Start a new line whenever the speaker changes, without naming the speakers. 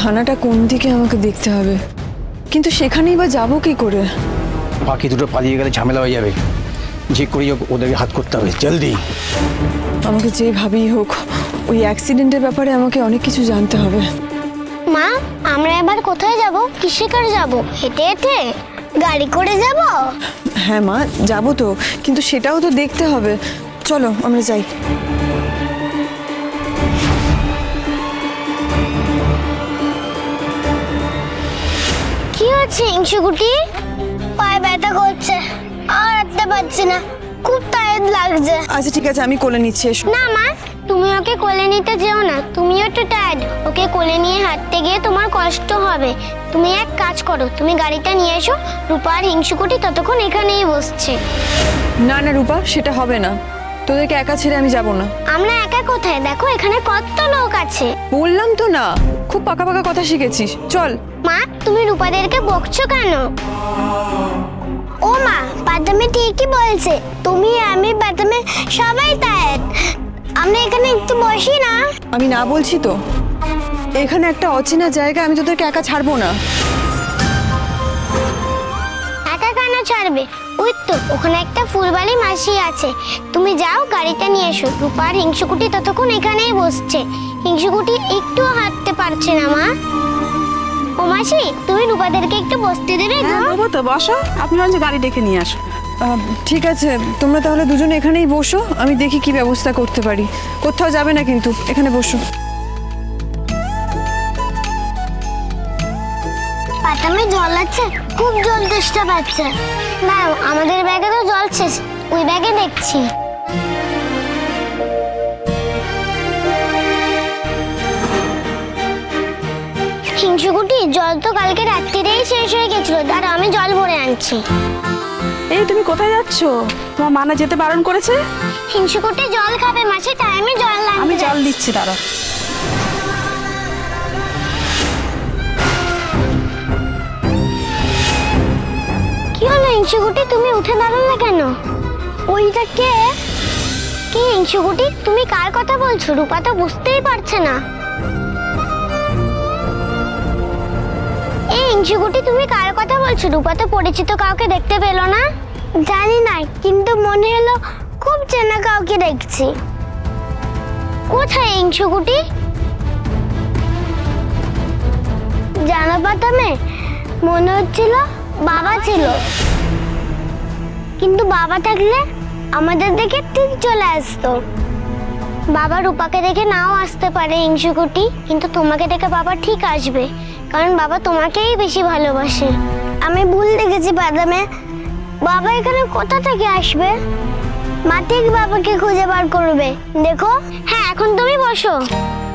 থানাটা কোন দিকে আমাকে দেখতে হবে, কিন্তু সেখানেই বা যাবো কি করে?
বাকি দুটো পালিয়ে গেলে ঝামেলা হয়ে যাবে, যে করেই হোক ওদেরকে হাত করতে হবে জলদি।
আমাকে যেভাবেই হোক ওই অ্যাক্সিডেন্টের ব্যাপারে আমাকে অনেক কিছু জানতে হবে।
মা, আমরা এবার কোথায় যাব? কিসে করে যাব? হেঁটে হেঁটে? গাড়ি করে যাব?
হ্যাঁ মা, যাবো তো, কিন্তু সেটাও তো দেখতে হবে। চলো আমরা যাই।
কি হচ্ছে হিংসুকুটি? পায়ে ব্যথা করছে, আর হাঁটতে পারছি না, খুব টায়ার্ড লাগছে।
আচ্ছা ঠিক আছে, আমি কোলে নিচ্ছি, এসো।
না মা, তুমি ওকে কোলে নিতে যেও না, তুমিও একটু টায়ার্ড। ওকে কোলে নিয়ে হাঁটতে গিয়ে তোমার কষ্ট হবে। তুমি এক কাজ করো, তুমি গাড়িটা নিয়ে এসো, রূপা আর হিংসুকুটি ততক্ষণ এখানেই বসছে।
না না রূপা, সেটা হবে না, তোদেরকে একা ছেড়ে আমি যাব না।
আমরা একা কোথায়? দেখো এখানে কত লোক আছে।
বললাম তো না, খুব পাকা পাকা কথা শিখেছিস, চল।
মা, তুমি রূপাদেরকে বকছো কেন? ও মা, বাদামে ঠিকই বলছে, তুমি আমি বাদামে সবাই টায়ার্ড, আমরা এখানে একটু বসি না?
আমি না বলছি তো, এখানে একটা অচেনা জায়গা, আমি তোদেরকে একা ছাড়বো না।
একা কেন ছাড়বে? ওই তো ওখানে একটা ফুলবাড়ি মাসি আছে, তুমি যাও গাড়িটা নিয়ে এসো। রূপা আর হিংসুকুটি ততক্ষণ এখানেই বসছে। হিংসুকুটি একটুও হাঁটতে পারছে না মা। ও মাসি, তুমি রূপাদেরকে একটু বসতে দেবে গো?
বাবা তো বসো, আপনি হচ্ছে গাড়ি ডেকে নিয়ে আসো।
ঠিক আছে, তোমরা তাহলে দুজনে এখানেই বসো, আমি দেখি কি ব্যবস্থা করতে পারি। কোথাও যাবে না কিন্তু, এখানে বসো।
বাদামে জল আছে, খুব জল তেষ্টা পাচ্ছে। না, আমাদের ব্যাগে তো জল শেষ, ওই ব্যাগে দেখছি। হিংসুকুটি, জল তো কালকে রাত্রিরেই শেষ হয়ে গেছিল, দাঁড়া আমি জল ভরে আনছি।
এই তুমি কোথায় যাচ্ছ? তোমার মা না যেতে বারণ করেছে?
হিংসুকুটি জল খাবে মাসি, তাই আমি জল আনতে
আমি জল
যাচ্ছি।
দিচ্ছি, দাঁড়া।
কি হলো হিংসুকুটি, তুমি উঠে দাঁড়ালে কেন? ওইটা কে? কি হিংসুকুটি, তুমি কার কথা বলছো? রূপা তো বুঝতেই পারছে না। এই হিংসুকুটি, তুমি কার কথা বলছো? রূপা তো পরিচিত কাউকে দেখতে পেলো না। জানি না, কিন্তু মনে হলো খুব চেনা কাউকে দেখছি। কোথায় হিংসুকুটি? জানো বাদামে, মনে হচ্ছিল বাবা ছিল, কিন্তু বাবা থাকলে আমাদের দেখে ঠিক চলে আসতো। বাবা রূপাকে দেখে নাও আসতে পারে হিংসুকুটি, কিন্তু তোমাকে দেখে বাবা ঠিক আসবে, কারণ বাবা তোমাকেই বেশি ভালোবাসে। আমি ভুল দেখেছি বাদামে, বাবা এখানে কোথা থেকে আসবে? মা ঠিক বাবাকে খুঁজে বার করবে, দেখো। হ্যাঁ, এখন তুমি বসো।